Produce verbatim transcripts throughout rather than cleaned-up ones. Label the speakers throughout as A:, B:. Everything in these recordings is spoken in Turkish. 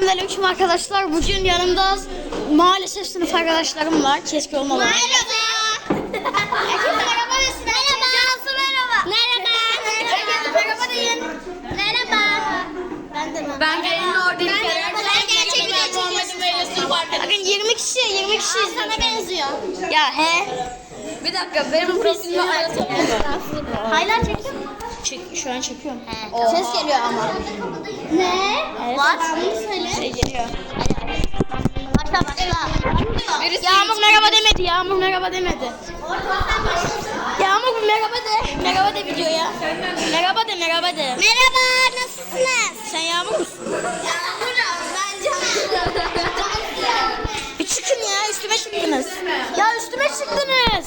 A: Selamünaleyküm arkadaşlar. Bugün yanımda maalesef sınıf arkadaşlarım var. Keşke olmalı.
B: Merhaba. Herkese merhaba desin. Merhaba. Cansu merhaba. Merhaba. Herkese merhaba deyin. Merhaba. Ben de
C: Ben gelin oradayım.
B: Ben gerçek video çekiyorsun.
A: Bakın yirmi kişi, yirmi kişi
B: Sana benziyor.
A: Ya he.
C: Bir dakika benim profilime hayatım.
B: Haylar çekiyor mu?
A: Çek, şu an çekiyorum.
B: He.
A: Ses geliyor ama.
B: Ne?
A: Evet.
B: Var. Bunu söyle.
A: Şey geliyor.
B: Başla başla.
C: Birisi
A: Yağmur merhaba demedi. Yağmur merhaba demedi. Yağmur bir merhaba de. Merhaba de videoya. Merhaba de, merhaba de.
B: Merhaba. Nasılsınız?
A: Sen Yağmur musun?
B: Yağmur'um. Ben Cansu.
A: Bir çıkın ya, üstüme çıktınız. Ya üstüme çıktınız.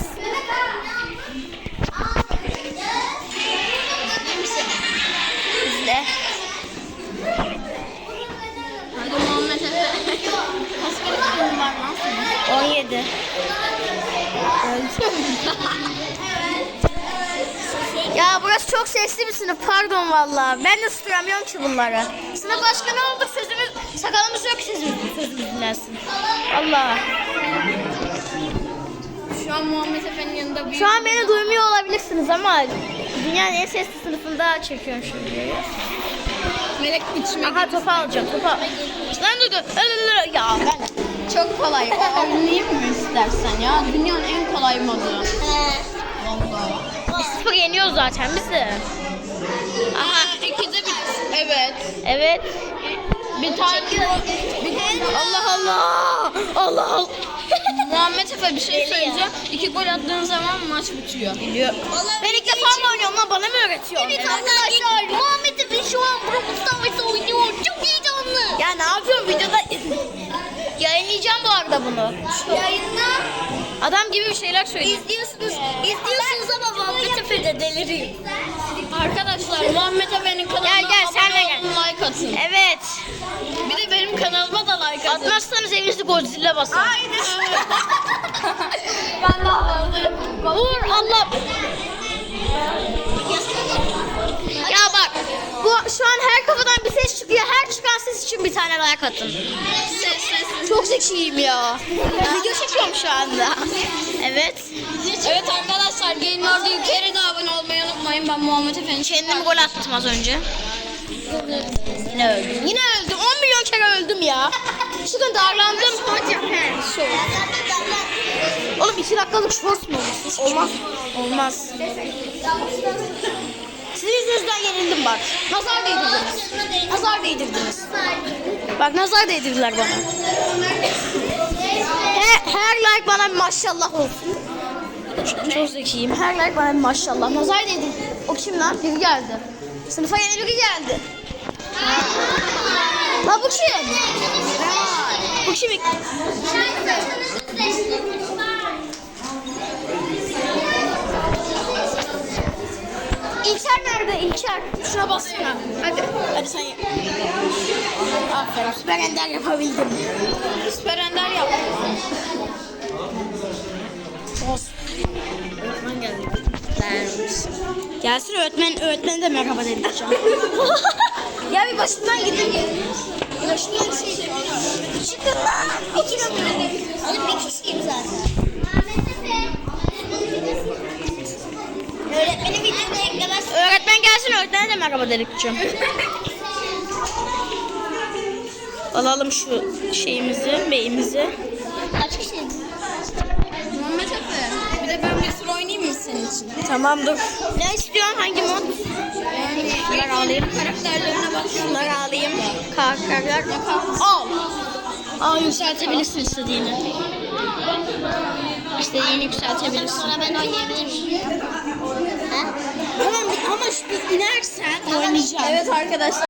A: İzle.
C: Hadi Muhammed Efe. Kaç kere çıkıyorsun var lan senin?
A: on yedi. Ya burası çok sesli bir sınıf. Pardon vallahi. Ben de susturamıyorum ki bunları. Sınıf başkanı olduk. Sözümüz, sakalımız yok sözümüz, sözümüz dinlersin. Allah.
C: Şu an Muhammed Efe'nin yanında büyük.
A: Şu an beni duymuyor olabilirsiniz ama dünyanın en sesli sınıfında çekiyorum şu videoyu.
C: Melek içime
A: Aha topu alacağım. Topu al. Lan dur dur. Ya ben.
C: çok kolay. O oynayayım mı istersen ya? Dünyanın en kolay modu.
A: Bir sıfır yeniyoruz zaten bizi.
C: Aha ikide bir. Evet.
A: Evet.
C: Bir tane bir
A: Allah Allah. Allah Allah.
C: Muhammed Efe bir şey söyleyeceğim. İki gol attığın zaman maç bitiyor.
A: Biliyor. Ben ilk defa mı oynuyorum lan? Bana mı öğretiyorsun?
B: Evet arkadaşlar. Muhammed Efe şu an Brawl Stars'ta oynuyor. Çok heyecanlı.
A: Ya ne yapıyorum videoda? Yayınlayacağım bu arada bunu.
B: Yayında
A: Adam gibi bir şeyler söylüyor.
B: izliyorsunuz. İzliyorsunuz ama Muhammed Efe de deliriyor.
C: Arkadaşlar Muhammed Efe'nin kanalına
A: Gel, gel, sen de
C: abone
A: gel.
C: olun, like atın.
A: Evet.
C: Bir de benim kanalıma da like atın.
A: Atmazsanız evinizde Godzilla basar.
C: Ben de aldım.
A: Vur Allah. Ya bak. Bu şu an her kafadan bir ses çıkıyor. Her çıkan ses için bir tane like atın.
C: Ses ses.
A: Çok zekiyim ya. Video çekiyorum şu anda. Evet.
C: Evet arkadaşlar gelin orada yukarı da abone olmayı unutmayın. Ben Muhammed Efe'nin
A: Kendim gol attım az önce. Yine öldüm. Yine öldüm. on milyon kere öldüm ya. Şuradan darlandım. Oğlum iki dakikalık short mu olur? Olmaz. Olmaz. Sizin yüzünüzden yenildim bak. Nazar değdirdiniz. Nazar değdirdiniz. Bak nazar değdirdiler bana. Her, her like bana bir maşallah olsun. Çok, çok zekiyim. Her like bana bir maşallah. Nazar değdi. O kim lan? Biri geldi. Sınıfa yeni biri geldi. La bu kim? Bu kim? İlker nerede? İlker. Şuna bassana. Hadi. Hadi sen yap. Aferin. Süper ender yapabildim.
C: Süper Ender yaptım.
A: Olsun. Öğretmen geldi. Gelsin öğretmen, öğretmen de merhaba dedireceğim. Ya bir başımdan gidin. Başımdan bir şey. Çıkın lan. İki numara.
B: Oğlum bir kişiyim zaten. Öğretmenin videoda eklemez.
A: Öğretmen gelsin öğretmene de merhaba dedireceğim. Alalım şu şeyimizi, beyimizi.
B: Kaç kişiyiz?
C: Muhammed Efe. Bir de ben bir sürü oynayayım mı senin için?
A: Tamam dur. Ne istiyorsun? Hangi mod?
C: Yani
A: Şunları alayım.
C: karakterlerine bak.
A: Şunları alayım. Karakterler. Al. Al yükseltebilirsin istediğini. İstediğini yükseltebilirsin.
B: Sonra ben oynayabilir miyim? Ha?
A: Tamam ama şu inersen oynayacağım.
C: Evet arkadaşlar.